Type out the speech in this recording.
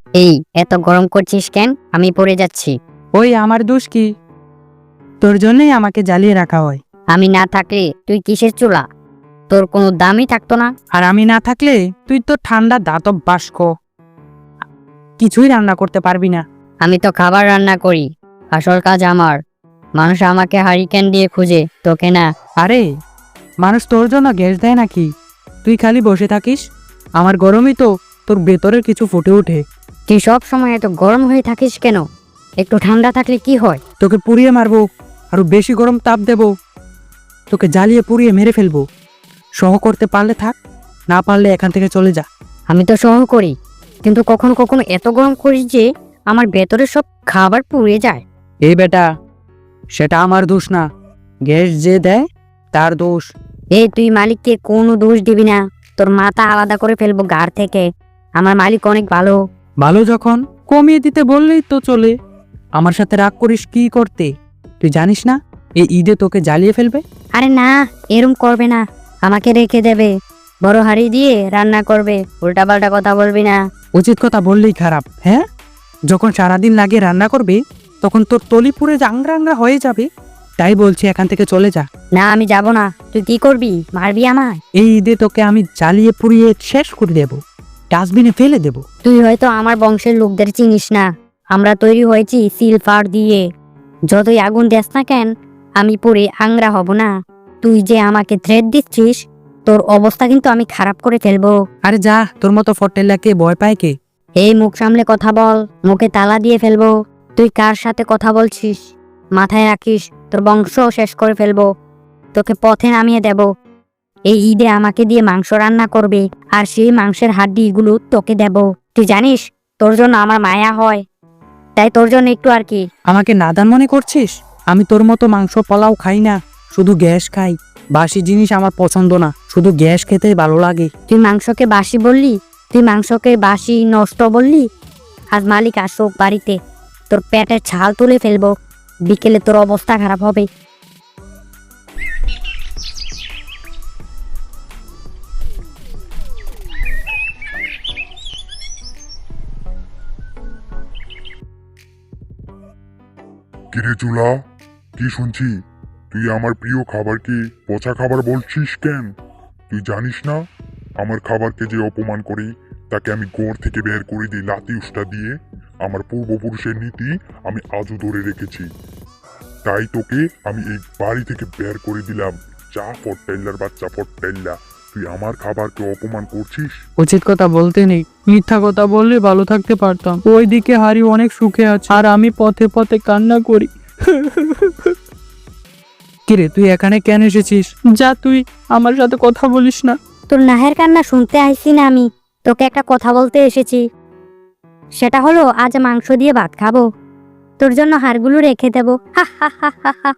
এই এত গরম করছিস কেন? আমি পড়ে যাচ্ছি। ওই আমার দোষ কি? তোর জন্যই আমাকে জ্বালিয়ে রাখা হয়। আমি না থাকলে তুই কিসের চুলা? তোর কোনো দামই থাকতো না। আর আমি না থাকলে তুই তো ঠান্ডা দাতব বাষ্ক, কিছুই রান্না করতে পারবি না। আমি তো খাবার রান্না করি, আসল কাজ আমার। মানুষ আমাকে হারিকেন দিয়ে খুঁজে, তোকে না। আরে মানুষ তোর জন্য গ্যাস দেয় নাকি? তুই খালি বসে থাকিস, আমার গরমই তো তোর ভেতরের কিছু ফুটে ওঠে। তুই সব সময় এত গরম হয়ে থাকিস কেন? একটু ঠান্ডা থাকলে কি হয়? তোকে পুড়িয়ে মারবো, আরো বেশি গরম তাপ দেব, তোকে জ্বালিয়ে পুড়িয়ে মেরে ফেলবো। সহ করতে পারলে থাক, না পারলে এখান থেকে চলে যা। আমি তো সহ করি, কিন্তু কখনো কখনো এত গরম করিস যে আমার ভেতরে সব খাবার পুড়ে যায়। এই বেটা, সেটা আমার দোষ না, গ্যাস যে দেয় তার দোষ। এই তুই মালিককে কোনো দোষ দিবি না, তোর মাথা আলাদা করে ফেলবো গাড় থেকে। আমার মালিক অনেক ভালো। ভালো যখন কমিয়ে দিতে বললেই তো চলে। আমার সাথে রাগ করিস কি করতে? তুই জানিস না এই ঈদে তোকে জ্বালিয়ে ফেলবে। আরে না, এরম করবে না, আমাকে রেখে দেবে, বড় হাঁড়ি দিয়ে রান্না করবে। উল্টাপাল্টা কথা বলবি না। উচিত কথা বললেই খারাপ, হ্যাঁ? যখন সারাদিন লাগে রান্না করবে তখন তোর তলি পুড়ে জাংরা আংরা হয়ে যাবে। তাই বলছি এখান থেকে চলে যা। না, আমি যাব না। তুই কি করবি? মারবি আমায়? এই ঈদে তোকে আমি জ্বালিয়ে পুড়িয়ে শেষ করে দেব, ডাস্টবিনে ফেলে দেব। তুই হয়তো আমার বংশের লোকদের চিনিস না। আমরা তৈরি হয়েছি সিলভার দিয়ে। যতই আগুন দেস না কেন, আমি পুড়ে আংরা হব না। তুই যে আমাকে থ্রেট দিচ্ছিস, তোর অবস্থা কিন্তু আমি খারাপ করে ফেলবো। আরে যা, তোর মতো ফটেল্লাকে ভয় পায় কে? এই মুখ সামলে কথা বল, মুখে তালা দিয়ে ফেলবো। তুই কার সাথে কথা বলছিস মাথায় রাখিস, তোর বংশ শেষ করে ফেলবো, তোকে পথে নামিয়ে দেব। এই ঈদে আমাকে দিয়ে মাংস রান্না করবে, আর সেই মাংসের হাড্ডিগুলো তোকে দেব। তুই জানিস তোর জন্য আমার মায়া হয়, তাই তোর জন্য একটু আর কি। আমাকে নাদান মনে করছিস? আমি তোর মতো মাংস পোলাও খাই না, শুধু গ্যাস খাই। বাসি জিনিস আমার পছন্দ না, শুধু গ্যাস খেতেই ভালো লাগে। তুই মাংসকে বাসি বললি, তুই মাংসকে বাসি নষ্ট বললি। আজ মালিক আসুক বাড়িতে, তোর পেটের ছাল তুলে ফেলবো। বিকেলে তোর অবস্থা খারাপ হবে। কিরে চুলা, কি শুনছি? তুই আমার প্রিয় খাবারকে পচা খাবার বলছিস কেন? তুই জানিস না আমার খাবারকে যে অপমান করে তাকে আমি ঘর থেকে বের করে দিই লাতি উষ্টা দিয়ে। আমার পূর্বপুরুষের নীতি আমি আজও ধরে রেখেছি, তাই তোকে আমি এই বাড়ি থেকে বের করে দিলাম। যা ফট্টাইল্লার বাচ্চা ফট্টাইল্লা, তুই আমার খাবারকে অপমান করছিস। উচিত কথা বলতে নেই, মিথ্যা কথা বললে ভালো থাকতে পারতাম। ওইদিকে হারি অনেক সুখে আছে, আর আমি পথে পথে কান্না করি। কিরে, তুই এখানে কেন এসেছিস? যা, তুই আমার সাথে কথা বলিস না। তোর নাহের কান্না শুনতে আইছি না, আমি তোকে একটা কথা বলতে এসেছি। সেটা হলো আজ মাংস দিয়ে ভাত খাবো, তোর জন্য হাড়গুলো রেখে দেবো। হা হা হা হা হা।